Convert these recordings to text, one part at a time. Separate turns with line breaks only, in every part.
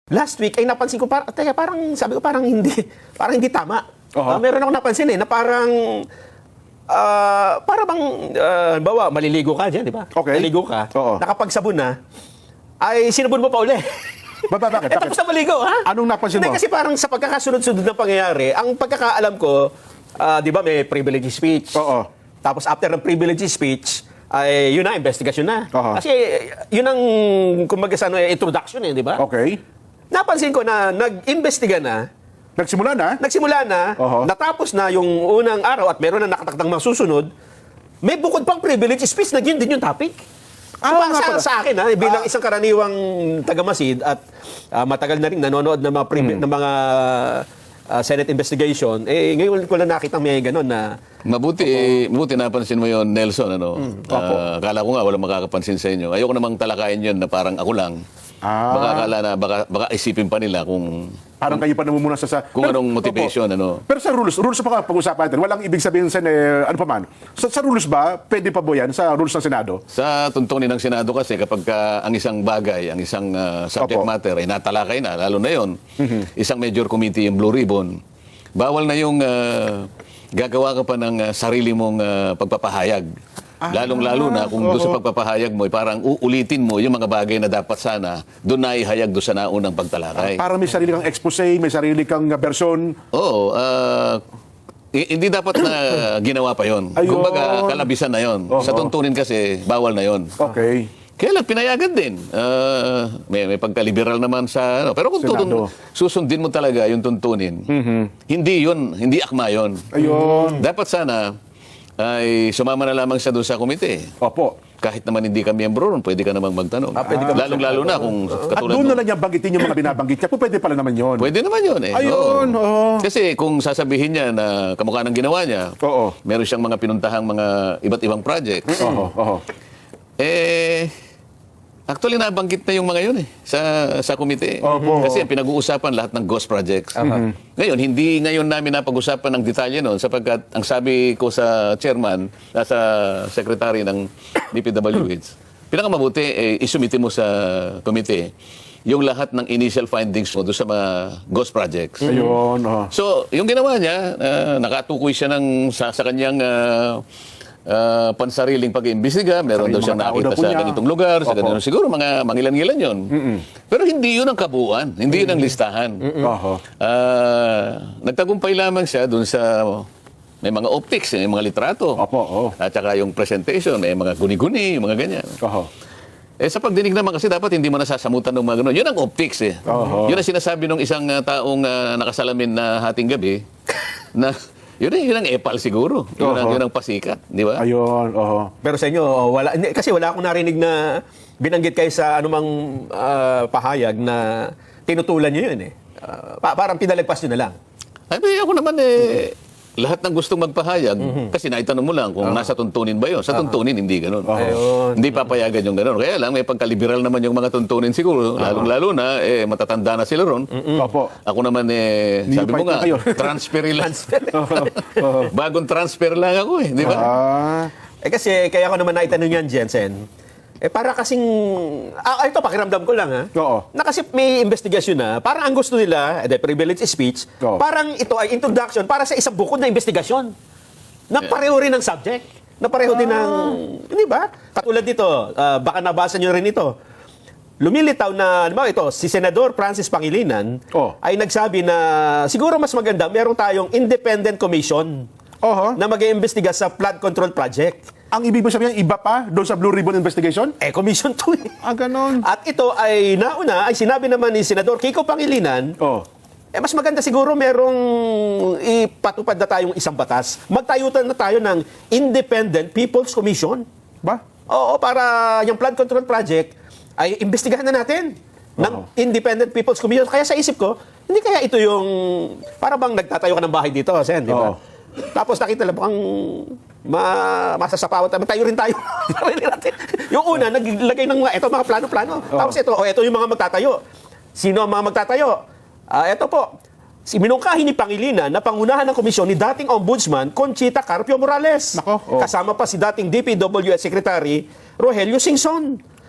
last week ay napansin ko, parang sabi ko parang hindi tama. Meron ako napansin na parang para bang, bawa, maliligo ka dyan, di ba?
Okay.
Maliligo ka, nakapagsabon na, ay sinabon mo pa uli.
Bakit?
Tapos na maligo, ha?
Anong napansin mo?
Hindi, kasi parang sa pagkakasunod-sunod ng pangyayari, ang pagkakaalam ko, di ba may privilege speech? Tapos after ng privilege speech, ay yun na, investigation na. Kasi yun ang, kumbaga sa introduction di ba?
Okay.
Napansin ko na nag-investiga na,
Nagsimula na?
Natapos na yung unang araw at meron na nakatakdang mga susunod, may bukod pang privilege speech na yun din yung topic. So, sa akin, bilang isang karaniwang taga-Masid at matagal na rin nanonood ng mga Senate investigation, ngayon ko lang nakita may gano'n na...
Mabuti napansin mo yon, Nelson. Akala ko nga walang makakapansin sa inyo. Ayoko namang talakayin yun na parang ako lang. Baka akala na, baka isipin pa nila kung...
Parang kayo pa namumuna
kung anong motivation,
Pero sa rules pa pag-usapan natin, walang ibig sabihin sa ano pa man. Sa rules ba, pwede pa ba yan sa rules ng Senado?
Sa tuntunin ng Senado kasi kapag ang isang bagay, ang isang subject matter ay natalakay na, lalo na yon, isang major committee, yung Blue Ribbon, bawal na yung gagawa ka pa ng sarili mong pagpapahayag. Lalong-lalo na kung doon sa pagpapahayag mo, parang uulitin mo yung mga bagay na dapat sana doon na ihayag doon sa naunang pagtalakay.
Para may sarili kang expose, may sarili kang version.
Oo. Hindi dapat na ginawa pa yon. Kumbaga, kalabisan na yon. Sa tuntunin kasi, bawal na yon.
Okay.
Kaya lang, pinayagan din. May pagka-liberal naman sa... Pero kung susundin mo talaga yung tuntunin, hindi akma yun.
Ayun.
Dapat sana ay sumama na lamang siya doon sa komite. Kahit naman hindi ka miyembro ron, pwede ka namang magtanong. Lalong-lalo na kung katulad
at doon na lang niya banggitin yung mga binabanggit niya. Pwede pala naman yun.
Pwede naman yun
Ayun.
Kasi kung sasabihin niya na kamukha ng ginawa niya, meron siyang mga pinuntahang mga iba't ibang projects. Actually, nabanggit na yung mga yun sa komite. Kasi pinag-uusapan lahat ng ghost projects. Ngayon, hindi ngayon namin napag-usapan ng detalye noon sapagkat ang sabi ko sa chairman, sa secretary ng DPWH, pinakamabuti, isumite mo sa komite yung lahat ng initial findings mo doon sa mga ghost projects. So, yung ginawa niya, nakatukoy siya sa kanyang pansariling pag-iimbestiga, meron daw siyang nakita sa ganitong lugar, sa ganitong siguro, mga mangilan-ngilan yun. Pero hindi yun ang kabuuan, hindi yun ang listahan. Nagtagumpay lamang siya dun sa may mga optics, may mga litrato, at saka yung presentation, may mga guni-guni, mga ganyan. Sa pagdinig naman kasi dapat hindi mo nasasamutan ng mga gano'n. Yun ang optics Yun ang sinasabi ng isang taong nakasalamin na hating gabi, na yun ang epal siguro. Yun ang pasikat, di ba?
Ayun,
Pero sa inyo, kasi wala akong narinig na binanggit kayo sa anumang pahayag na tinutulan nyo yun parang pinalagpas nyo na lang.
Ay, ako naman lahat ng gustong magpahayag, kasi naitanong mo lang kung nasa tuntunin ba yun. Sa tuntunin, hindi ganun. Hindi papayagan yung ganun. Kaya lang, may pagka-liberal naman yung mga tuntunin siguro. Lalong-lalo na, matatanda na sila ron. Ako naman, sabi mo nga, transfer lang. Bagong transfer lang ako di ba?
Kasi, kaya ako naman naitanong yan, Jensen. Para kasing, ito pakiramdam ko lang na kasi may investigasyon na, parang ang gusto nila, the privilege speech, parang ito ay introduction para sa isang bukod na investigasyon. Na pareho rin ng subject. Na pareho din ng, di ba? Katulad dito, baka nabasa nyo rin ito. Lumilitaw na, si Senador Francis Pangilinan ay nagsabi na siguro mas maganda, meron tayong independent commission na mag-iimbestiga sa flood control project.
Ang ibig mo sabihin, iba pa doon sa Blue Ribbon Investigation?
Commission 2
ganon.
At ito ay nauna, ay sinabi naman ni Senador Kiko Pangilinan, mas maganda siguro merong ipatupad na tayong isang batas. Magtayutan na tayo ng Independent People's Commission.
Ba?
Para yung flood control project ay imbestigahan na natin ng Independent People's Commission. Kaya sa isip ko, hindi kaya ito yung, para bang nagtatayo ka ng bahay dito, Sen, di ba? Tapos nakita lang ang masasapawan tayo. Tayo rin tayo. Yung una, naglagay ng mga plano-plano. Tapos ito yung mga magtatayo. Sino ang mga magtatayo? Ito po, minungkahi ni Pangilinan na pangunahan ng komisyon ni dating Ombudsman Conchita Carpio Morales. Kasama pa si dating DPWH Secretary Rogelio Singson.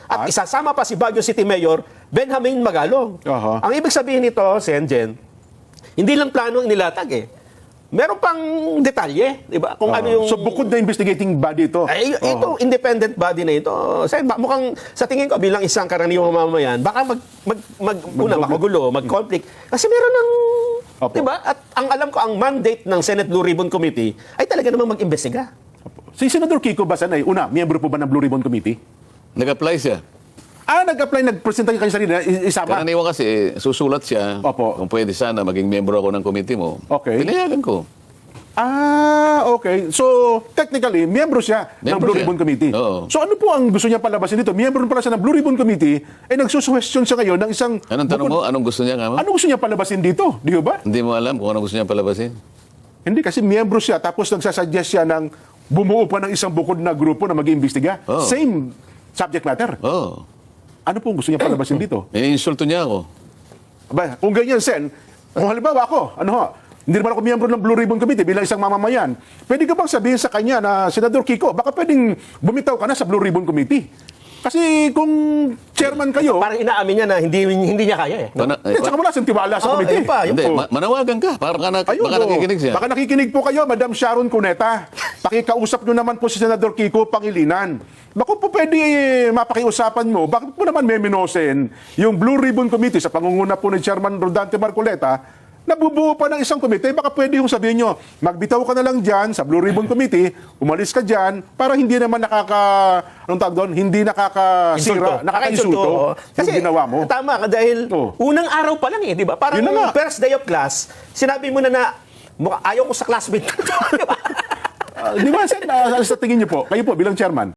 At isasama pa si Baguio City Mayor Benjamin Magalong.
Aha.
Ang ibig sabihin nito, Senjen, hindi lang plano ang nilatag eh. Meron pang detalye, di ba? Kung ano yung...
So bukod na investigating body ito.
Ay, ito, independent body na ito. Mukhang, sa tingin ko, bilang isang karaniwang mamamayan, baka magugulo, mag-conflict. Kasi meron ng,
Opo.
di ba? At ang alam ko, ang mandate ng Senate Blue Ribbon Committee ay talaga namang mag-imbestiga.
Si Senador Kiko Basanay, una, miyembro po ba ng Blue Ribbon Committee?
Nag-apply siya.
Nag-apply, nag-presenta kayo sarili na isama.
Karaniwan kasi, susulat siya.
Opo.
Kung pwede sana, maging miyembro ako ng committee mo.
Okay.
Pinayagan ko.
Okay. So, technically, miyembro siya ng
Miyembro
Blue
siya.
Ribbon Committee.
Oo.
So, ano po ang gusto niya palabasin dito? Miyembro pala siya ng Blue Ribbon Committee, nagsusuwestiyon siya ngayon ng isang...
Anong tanong mo? Anong gusto niya nga mo?
Ano gusto niya palabasin dito? Di ba?
Hindi mo alam kung anong gusto niya palabasin?
Hindi, kasi miyembro siya, tapos nagsasuggest siya ng bumuo pa ng isang bukod na grupo na mag-iimbestiga.
Oo.
Same subject matter.
Oo.
Ano po ang gusto niya palabasin dito?
Iniinsulto niya ako.
Aba, kung ganyan, Sen, kung halimbawa ako, hindi naman ako miyembro ng Blue Ribbon Committee bilang isang mamamayan, pwede ka bang sabihin sa kanya na, Senador Kiko, baka pwedeng bumitaw ka na sa Blue Ribbon Committee? Kasi kung chairman kayo,
Parang inaamin niya na hindi niya kaya eh.
at saka wala siyang tiwala sa committee.
Yun pa, yun
Hindi,
po.
manawagan ka. Baka
Ayun,
nakikinig siya.
Baka nakikinig po kayo, Madam Sharon Cuneta. Pakikausap nyo naman po si Senador Kiko Pangilinan. Baka po pwede mapakiusapan mo, bakit po naman meminosen yung Blue Ribbon Committee sa pangunguna po ni Chairman Rodante Marcoleta, nabubuo pa ng isang komite, baka pwede yung sabihin nyo, magbitaw ka na lang dyan sa Blue Ribbon Committee, umalis ka dyan, para hindi naman hindi nakakasira, nakaka-insulto yung ginawa mo.
Tama ka dahil unang araw pa lang eh, di ba? Parang
Yun na nga.
first day of class, sinabi mo na ayaw ko sa classmate. Di ba?
Di ba, Sen, sa tingin nyo po, kayo po bilang chairman,